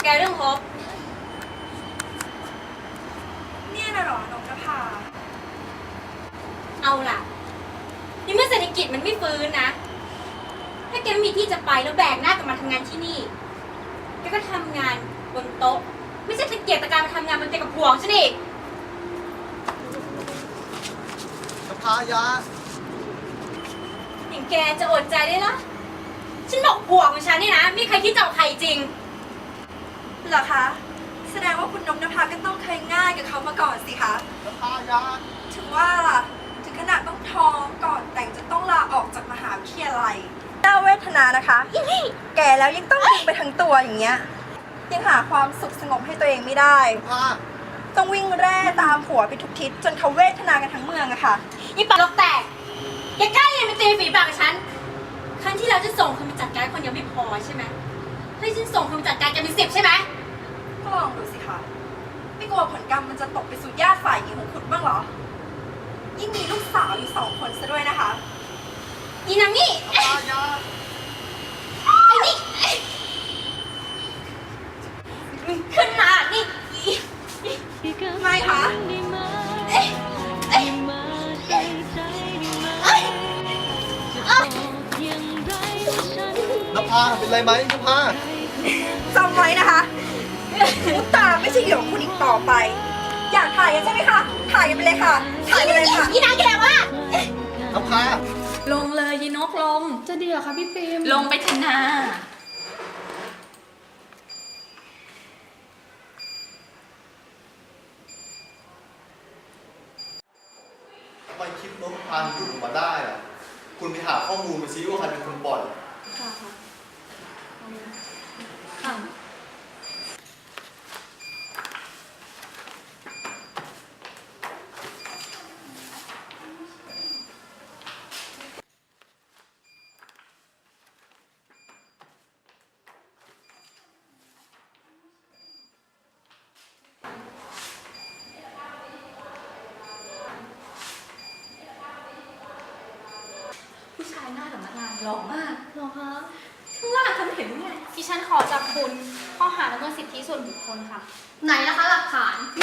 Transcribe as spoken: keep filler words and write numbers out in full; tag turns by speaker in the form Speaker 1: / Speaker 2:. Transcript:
Speaker 1: แกเรื่องฮบ
Speaker 2: เนี่ยนะหรอนกนภา
Speaker 1: เอาล่ะนี่เมื่อเศรษฐกิจมันไม่ฟื้นนะถ้าแกไม่มีที่จะไปแล้วแบกหน้ากลับมาทำงานที่นี่แกก็ทำงานบนโต๊ะไม่ใช่ตะเกียกตะการมาทำงานบนเตียงกับห่วงฉันอีก
Speaker 3: นภายา
Speaker 1: อย่างแกจะอดใจได้ละฉันบอกห่วงของฉันนี่นะไม่มีใครคิดจะเอาใครจริง
Speaker 2: เหรอคะแสดงว่าคุณนกนภาก็ต้องเคยง่ายกับเขามาก่อนสิคะ
Speaker 3: นภายา
Speaker 2: ถึงว่าล่ะถึงขนาดต้องท้องก่อนแต่งจะต้องลาออกจากมหาวิทยาลัยน่าเวทนานะคะแก่แล้วยังต้องวิ่งไปทั้งตัวอย่างเงี้ยยังหาความสุขสงบให้ตัวเองไม่ได้ต้องวิ่งแร่ตามผัวไปทุกทิศจนเขาเวทนากันทั้งเมืองอะค่ะ
Speaker 1: ยี่ปากลกแตกแกกล้าเรียนไปตีฝีปากกับฉันครั้งที่แล้วจะส่งคนมาจัดการคนเดียวไม่พอใช่ไหมให้ฉันส่งคนมาจัดการแกเป็นสิบใช่ไหม
Speaker 2: ก็ลองดูสิคะไม่กลัวผลกรรมมันจะตกไปสู่ญาติฝ่ายหญิงของคุณบ้างเหรอยิ่งมีลูกสาวอยู่สองคนซะด้วยนะคะ
Speaker 1: อีนางนี่
Speaker 3: นภายา
Speaker 1: ไอ้นี่ขึ้นมานี่
Speaker 2: ไม่คะ
Speaker 1: เอ๊ะเอ๊ะ
Speaker 3: นภาเป็นไรไหมนภา
Speaker 2: จำไว้นะคะมุตตาไม่ใช่เหยื่อของคุณอีกต่อไปอยากถ่ายกันใช่ไหมคะถ่ายกันไปเลยค่ะถ่ายกันเลยค่ะ
Speaker 1: อีนางแกว่
Speaker 3: นภา
Speaker 1: ลงเลยยีนกลง
Speaker 4: จะดีเหรอคะพี่ปิม
Speaker 1: ลงไปเถอะนา
Speaker 3: ทำไมคลิปนกพานหลุดออกมาได้อะคุณไปหาข้อมูลมาซิว่าใครเป็นคนปล่อย
Speaker 4: ค่ะค่ะ
Speaker 1: ผู้ชายหน้าสำนักงานหล่อมาก
Speaker 4: หรอคะ
Speaker 1: ข้างล่างทำเห็นไง
Speaker 4: ดิฉันขอจับคุณข้อหาละเมิดสิทธิส่วนบุคคลค่ะไหนนะคะหลักฐาน